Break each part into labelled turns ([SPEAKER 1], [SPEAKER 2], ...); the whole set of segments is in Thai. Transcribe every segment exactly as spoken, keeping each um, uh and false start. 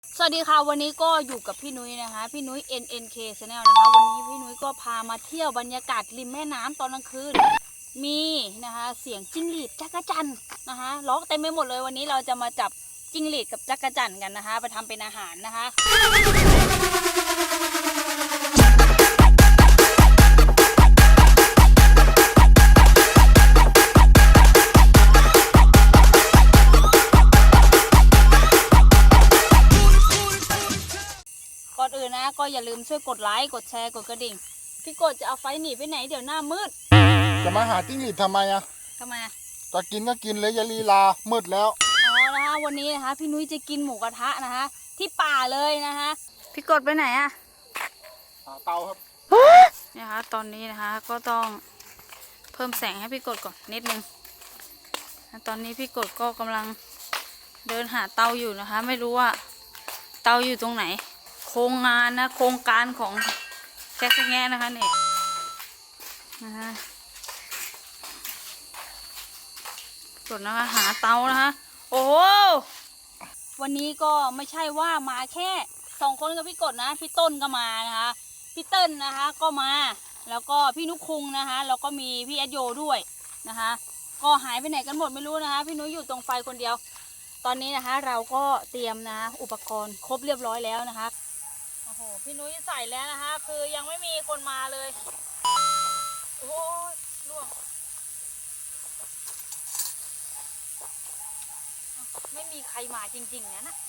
[SPEAKER 1] สวัสดีค่ะวันนี้ก็อยู่กับพี่นุ้ยนะคะพี่นุ้ย เอ็น เอ็น เค Channel นะคะวันนี้พี่นุ้ยก็พามาเที่ยวบรรยากาศริมแม่น้ำตอนกลางคืนมีนะคะเสียงจิ้งหรีดจักรจั่นนะคะร้องเต็มไปหมดเลยวันนี้เราจะมาจับจิ้งหรีดกับจักรจั่นกันนะคะไปทำเป็นอาหารนะคะก่อนอื่นนะก็อย่าลืมช่วยกดไลค์กดแชร์กดกระดิ่งพี่กดจะเอาไฟหนีไปไหนเดี๋ยวหน้ามืด
[SPEAKER 2] จะมาหาจิ้งหรีดทำไมอ่ะ
[SPEAKER 1] ทำไม
[SPEAKER 2] จะกินก็กินเลยอย่าลีลามืดแล้ว
[SPEAKER 1] อ๋อนะคะวันนี้นะคะพี่นุ้ยจะกินหมูกระทะนะคะที่ป่าเลยนะคะพี่กดไปไหนอะ
[SPEAKER 2] หาเตาครับ
[SPEAKER 1] เนี่ยคะตอนนี้นะคะก็ต้องเพิ่มแสงให้พี่กดก่อนนิดนึงตอนนี้พี่กดก็กำลังเดินหาเตาอยู่นะคะไม่รู้ว่าเตาอยู่ตรงไหนโครงงานนะโครงการของแจ๊สแง่นะคะเนี่ยนะคะกดนะคะหาเตานะคะโอ้โหวันนี้ก็ไม่ใช่ว่ามาแค่สองคนกับพี่กดนะพี่ต้นก็มานะคะพี่เติ้ลนะคะก็มาแล้วก็พี่นุคุงนะคะแล้วก็มีพี่แอดโยด้วยนะคะก็หายไปไหนกันหมดไม่รู้นะคะพี่นุ้ยอยู่ตรงไฟคนเดียวตอนนี้นะคะเราก็เตรียมนะอุปกรณ์ครบเรียบร้อยแล้วนะคะโอ้โหพี่นุ้ยใส่แล้วนะคะคือยังไม่มีคนมาเลยโอ้ยล่วงไม่มีใครมาจริงๆนะนะ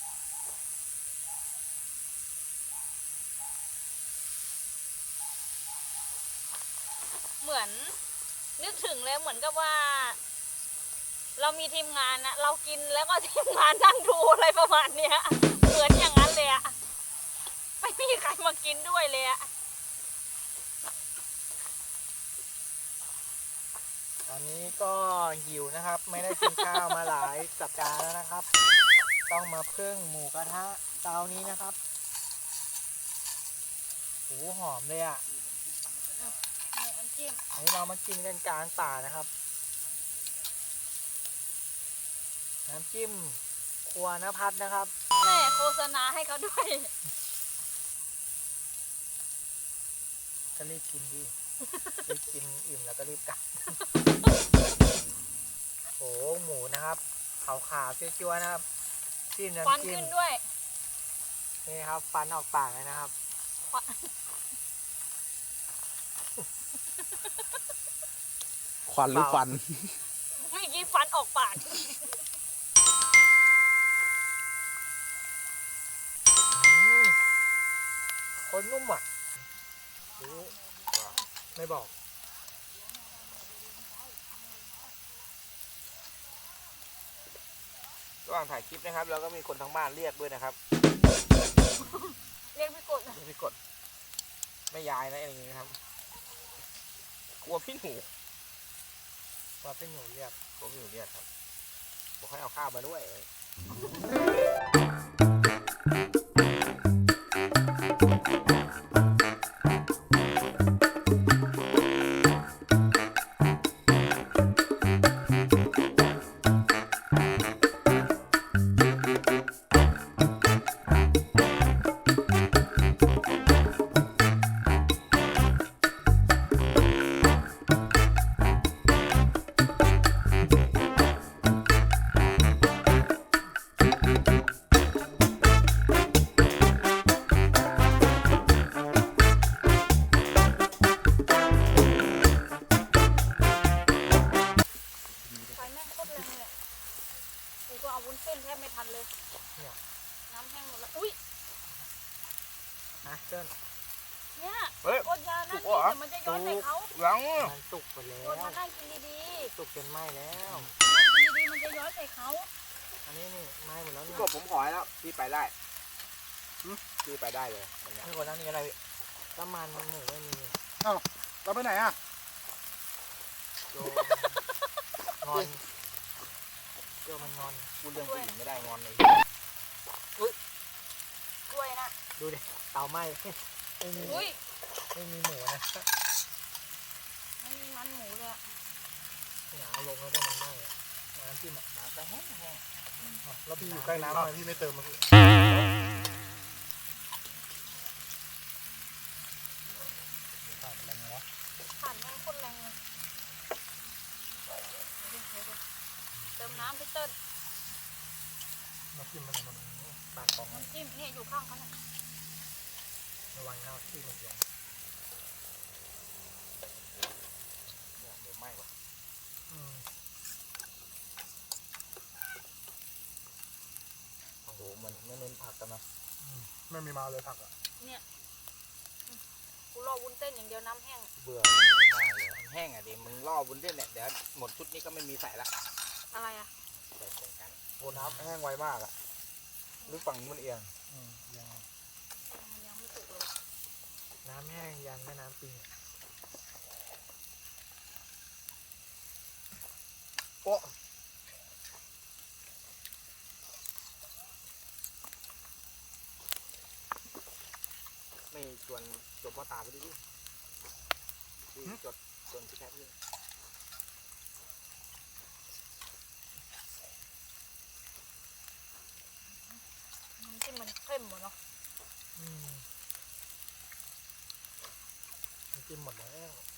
[SPEAKER 1] เหมือนนึกถึงเลยเหมือนกับว่าเรามีทีมงานนะเรากินแล้วก็ทีมงานนั่งดูอะไรประมาณเนี้ยเหมือนอย่างนั้นเลยอะไม่มีใครมากินด้วยเลยอะ
[SPEAKER 3] ตอนนี้ก็หิวนะครับไม่ได้กินข้าวมาหลายสัปดาห์แล้วนะครับต้องมาพึ่งหมูกระทะเตานี้นะครับโหหอมเลยอ่ะ
[SPEAKER 1] นี่น้ำจิ้ม
[SPEAKER 3] อันนี้เรามากินกันกลางป่านะครับน้ำจิ้มครัวนภัสนะครับ
[SPEAKER 1] แม่โฆษณาให้เขาด้วย
[SPEAKER 3] ก็รีบกินดิรีบกินอิ่มแล้วก็รีบกลับโอ้หมูนะครับขาวๆจั๊วๆนะครับจิ้มน้ำจิ้ม
[SPEAKER 1] ฟันขึ้นด้วย
[SPEAKER 3] นี่ครับฟันออกปากเลยนะครับ
[SPEAKER 2] ควันหรือฟัน
[SPEAKER 1] เมื่อกี้ฟันออกปาก
[SPEAKER 3] คนนุ่มอ่ะไม่บอก
[SPEAKER 4] ระหว่างถ่ายคลิปนะครับเราก็มีคนทั้งบ้านเรียกด้วยนะครับ
[SPEAKER 1] เรียกพี่กด
[SPEAKER 4] เรียกพี่กดไม่ยายนะอะไรอย่างนี้นะครับกลัวพี่หนู
[SPEAKER 3] กลัวพี่หนูเรียก
[SPEAKER 4] กลัวพี่หนูเรียกครับบอกให้เอาข้าวมาด้วย
[SPEAKER 1] เอาวุ้นเส้นแทบไม่ทันเลยน้ำแห้งหมดแล้วอุ้ย
[SPEAKER 3] นะเจิ้น
[SPEAKER 1] เนี่ยกดยานั่นนี่
[SPEAKER 4] เ
[SPEAKER 1] แต่มันจะย้อนใส่เขา
[SPEAKER 4] ยัง
[SPEAKER 3] มันสุกไปแล้ว
[SPEAKER 1] กดมานั่งกินดี
[SPEAKER 3] ๆสุกจนไหม้แล้ว
[SPEAKER 1] นั่งกินดีๆมันจะย้อนใส่เขา
[SPEAKER 3] อันนี้นี่ไหม้หมดแล้ว
[SPEAKER 4] พี่
[SPEAKER 3] นี่
[SPEAKER 4] กบผมขอแล้วพี่ไปได้พี่ไปได้เลย
[SPEAKER 3] พี่คนนั้นนี่อะไรน้ำมันมันหมูไม่มี
[SPEAKER 2] เอ้าเราไปไหนอ่ะ
[SPEAKER 3] โจงอนโจมันงอน
[SPEAKER 4] พูดเรื่องผู้หญิงไม่ได้งอนเลย
[SPEAKER 1] กล้วยนะ
[SPEAKER 3] ดูดิเตาไหม้ไม่มีไม่มีหมูนะ
[SPEAKER 1] ไม่มีมันหมูเลย
[SPEAKER 3] หนาลงแล้วก็มันไหม้น้ำจิ้มน้ำจะแห้งแห้ง
[SPEAKER 2] แล้วพี่อยู่ใกล้น้ำทำไมพี่ไม่เติมมาพี่
[SPEAKER 1] ผ่านมันคนแรงเลยเติมน้ำพี่เติ้ล
[SPEAKER 2] น้ำจิ้มมันมันปากกอง
[SPEAKER 1] น้ำจิ้มเนี่ยอยู่ข้างเขาเนี่ย
[SPEAKER 3] ระวังเข้าที่มันเสียง
[SPEAKER 4] เดี๋ยวไหม้ว่ะ
[SPEAKER 3] อืม
[SPEAKER 4] โอ้โหมันไม่เน้นผักกันนะ
[SPEAKER 2] ไม่มีมาเลยผักอ่ะ
[SPEAKER 1] กูรอวุ้นเต้นอย่างเดียวน้ำแห้ง
[SPEAKER 4] เบื่อมากเลยมันแห้งอ่ะดิมึงล่อบุญเล่นเนี่ยเดี๋ยวหมดชุดนี้ก็ไม่มีใส่ละ
[SPEAKER 1] อะไรอ่ะ
[SPEAKER 4] ใส่ตรงกัน
[SPEAKER 2] โอ้น้ำแห้งไวมากอ่ะหรือฝั่งนี้มันเอียง
[SPEAKER 3] อืมยัง
[SPEAKER 1] ยังไม่สุกเลย
[SPEAKER 3] น้ำแห้งยันแม่น้ำปิงอะ
[SPEAKER 2] โอ้
[SPEAKER 4] ไม่ชวนจบพ่อตาไปดิพี่จดชวนพี่แคทด้วย
[SPEAKER 1] น้ำจิ้มมันเข้มหมดเนาะ
[SPEAKER 3] อืมน้ำจิ้มหมดแล้ว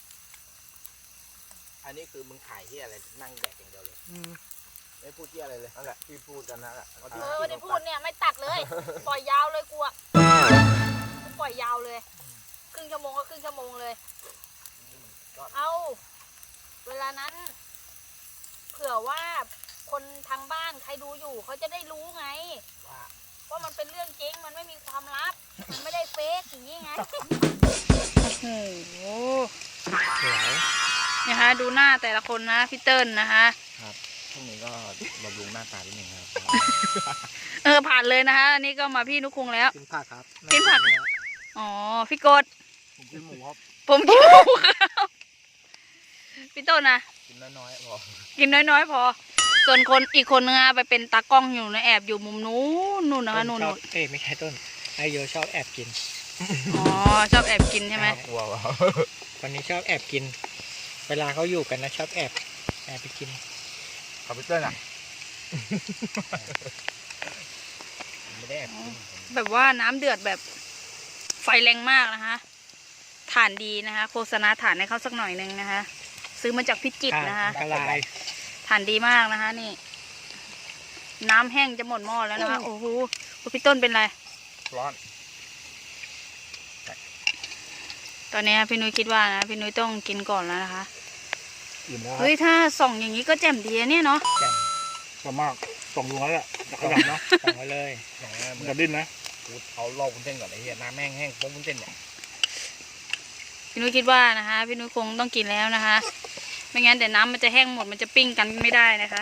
[SPEAKER 4] อันนี้คือมึงขายที่อะไรนั่งแดกอย่างเดียวเลย
[SPEAKER 2] อืม
[SPEAKER 4] ไม่พูดที่อะไรเลยนั่นแหละที่พูดกันนั่นแหละ
[SPEAKER 1] เออวันนี้พูดเนี่ยไม่ตัดเลย ปล่อยยาวเลยกูอะกูปล่อยยาวเลย ครึ่งชั่วโมงก็ครึ่งชั่วโมงเลย เอาเวลานั้น เผื่อว่าคนทางบ้านใครดูอยู่เขาจะได้รู้ไง
[SPEAKER 4] ว่า
[SPEAKER 1] ว่ามันเป็นเรื่องจริงมันไม่มีความลับ มันไม่ได้เฟกอย่างนี้ไง โอ้โห
[SPEAKER 3] สวย
[SPEAKER 1] นะคะดูหน้าแต่ละคนนะพี่เติ้ลนะคะ
[SPEAKER 4] พรุ่งนี้ก็บำรุงหน้าตานิดนึงครับ
[SPEAKER 1] เออผ่านเลยนะคะอันนี้ก็มาพี่นุกคุงแล้ว
[SPEAKER 3] กินผักครับ
[SPEAKER 1] กินผัก อ๋อพี่กด
[SPEAKER 2] ผมกินหมูครับ
[SPEAKER 1] ผมกินหมูครับพี่ต้นนะ
[SPEAKER 4] กินน้อยๆพอ
[SPEAKER 1] กินน้อยๆพอ ส่วนคนอีกคนนึงอะไปเป็นตากล้องอยู่นะแอบอยู่มุมนู้นนู่นนะคะนู่น
[SPEAKER 3] ชอ
[SPEAKER 1] นู่
[SPEAKER 3] บ
[SPEAKER 1] น
[SPEAKER 3] เอ้ยไม่ใช่ต้นไอโยชอบแอบกิน
[SPEAKER 1] อ๋อชอบแอบกินใช่ไหม
[SPEAKER 4] กลัววะ
[SPEAKER 3] คนนี้ชอบแอบกิน เวลาเขาอยู่กันนะชอบแอบแอบไปกิน
[SPEAKER 2] คอมพิวเตอร์อ่ะ
[SPEAKER 4] ไม่ได้แอบกิน
[SPEAKER 1] แบบว่าน้ำเดือดแบบไฟแรงมากนะคะฐานดีนะคะ โฆษณาฐานให้เขาสักหน่อยนึงนะคะ ซื้อมาจากพิจิตรนะคะ
[SPEAKER 3] กระลาย
[SPEAKER 1] ฐานดีมากนะคะ นี่ น้ำแห้งจะหมดหม้อแล้วนะคะ โอ้โหพี่ต้นเป็นไร
[SPEAKER 2] ร้อน
[SPEAKER 1] ตอนนี้พี่นุ้ยคิดว่านะพี่นุ้ยต้องกินก่อนแล้วนะคะ
[SPEAKER 2] อิ่มแล้ว
[SPEAKER 1] เฮ้ยถ้าส่องอย่างนี้ก็แจ่มดีอะเนี่ยเนาะ
[SPEAKER 3] แจ่ม
[SPEAKER 2] ก็มากส่งดูแล้วแหละจะขยับเนาะ
[SPEAKER 3] สั่งไว้เลย
[SPEAKER 4] อย่างนี้
[SPEAKER 2] มั
[SPEAKER 4] มึ
[SPEAKER 2] น
[SPEAKER 4] ง
[SPEAKER 2] จะดิ้นนะ
[SPEAKER 4] กูเอาล่อบุญเส้นก่อนไอ้เหี้ยน้ำแห้งแห้งโป๊ะบุญเส้นเนี่ย
[SPEAKER 1] พี่นุ้ยคิดว่านะคะ พี่นุ้ยคงต้องกินแล้วนะคะ ไม่งั้นเดี๋ยวน้ำมันจะแห้งหมดมันจะปิ้งกันไม่ได้นะคะ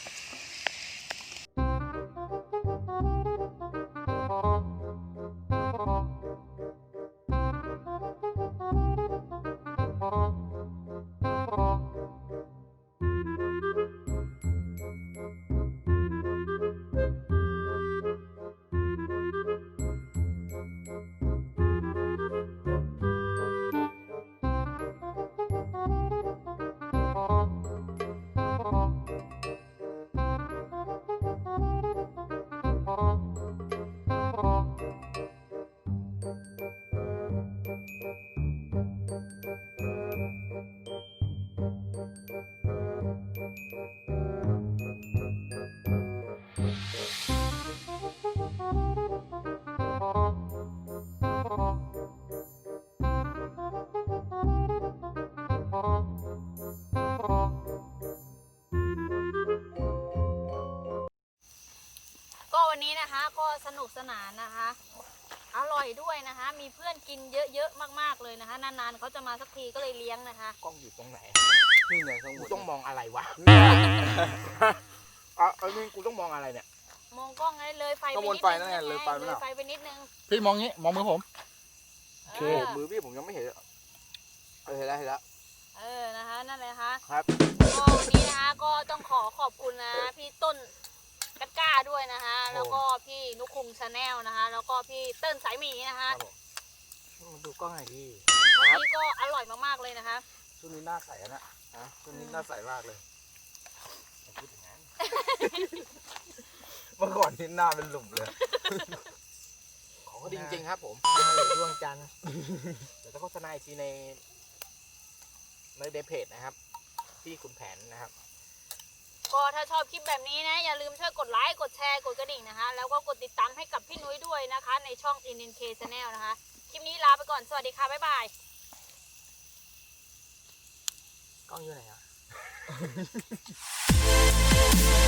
[SPEAKER 1] ก็วันนี้นะคะก็สนุกสนานนะคะ อร่อยด้วยนะคะ มีเพื่อนกินเยอะๆมากๆเลยนะคะ นานๆเขาจะมาสักทีก็เลยเลี้ยงนะคะ
[SPEAKER 4] กล้องอยู่ตรงไหน
[SPEAKER 2] นี่ไงข้างบ
[SPEAKER 4] กู
[SPEAKER 2] น
[SPEAKER 4] ต้องมองอะไรวะอ่ะอันนี้กูต้องมองอะไรเนี่ย
[SPEAKER 1] มองกล้องให้เลยไฟไป
[SPEAKER 2] ข้างบ
[SPEAKER 1] นิ
[SPEAKER 2] น
[SPEAKER 1] ด
[SPEAKER 2] ไฟ
[SPEAKER 1] นึ
[SPEAKER 2] นั่
[SPEAKER 1] ง
[SPEAKER 2] นไงเลยไฟ
[SPEAKER 1] เล
[SPEAKER 2] ไม่
[SPEAKER 1] ย
[SPEAKER 2] หรอ
[SPEAKER 1] ไฟไปนิดนึง
[SPEAKER 2] พี่มองงี้มองมือผม
[SPEAKER 1] เอ
[SPEAKER 2] โอเค
[SPEAKER 1] อ
[SPEAKER 4] มือพี่ผมยังไม่เห็นเลยเออเห็นแล้วเห็นแล้ว
[SPEAKER 1] เออนะคะ นั่นเลยค่ะ
[SPEAKER 4] ครับ
[SPEAKER 1] ก็วันนี้นะคะก็ต้องขอขอบคุณนะพี่ต้นกัดก้าด้วยนะคะ แล้วก็พี่นุกคุงชาแนลนะคะ แล้วก็พี่เติ้ลสายหมีนะ
[SPEAKER 4] ค
[SPEAKER 1] คะ
[SPEAKER 4] รับผมมาดูกล้องหน่อยดิ
[SPEAKER 1] วันนี้ก็อร่อยมากๆเลยนะคะ
[SPEAKER 2] ช่วงนี้หน้าใสอะนะฮะช่วงนี้หน้าใสมากเลย
[SPEAKER 4] อย่าพูดอย่างนั้นเมื่อก่อนที่หน้าเป็นหลุมเลย ของเขาดีจริงๆครับผม
[SPEAKER 3] ดวงจันทร์
[SPEAKER 4] เดี๋ยวจะโฆษณาอีกทีในในเดเพจนะครับที่ขุนแผนนะครับ
[SPEAKER 1] ก็ถ้าชอบคลิปแบบนี้นะ อย่าลืมช่วยกดไลค์ กดแชร์ กดกระดิ่งนะคะ แล้วก็กดติดตามให้กับพี่นุ้ยด้วยนะคะ ในช่อง เอ็น เอ็น เค Channel นะคะ คลิปนี้ลาไปก่อน สวัสดีค่ะ บ๊ายบาย
[SPEAKER 3] กล้องอยู่ไหนอ่ะ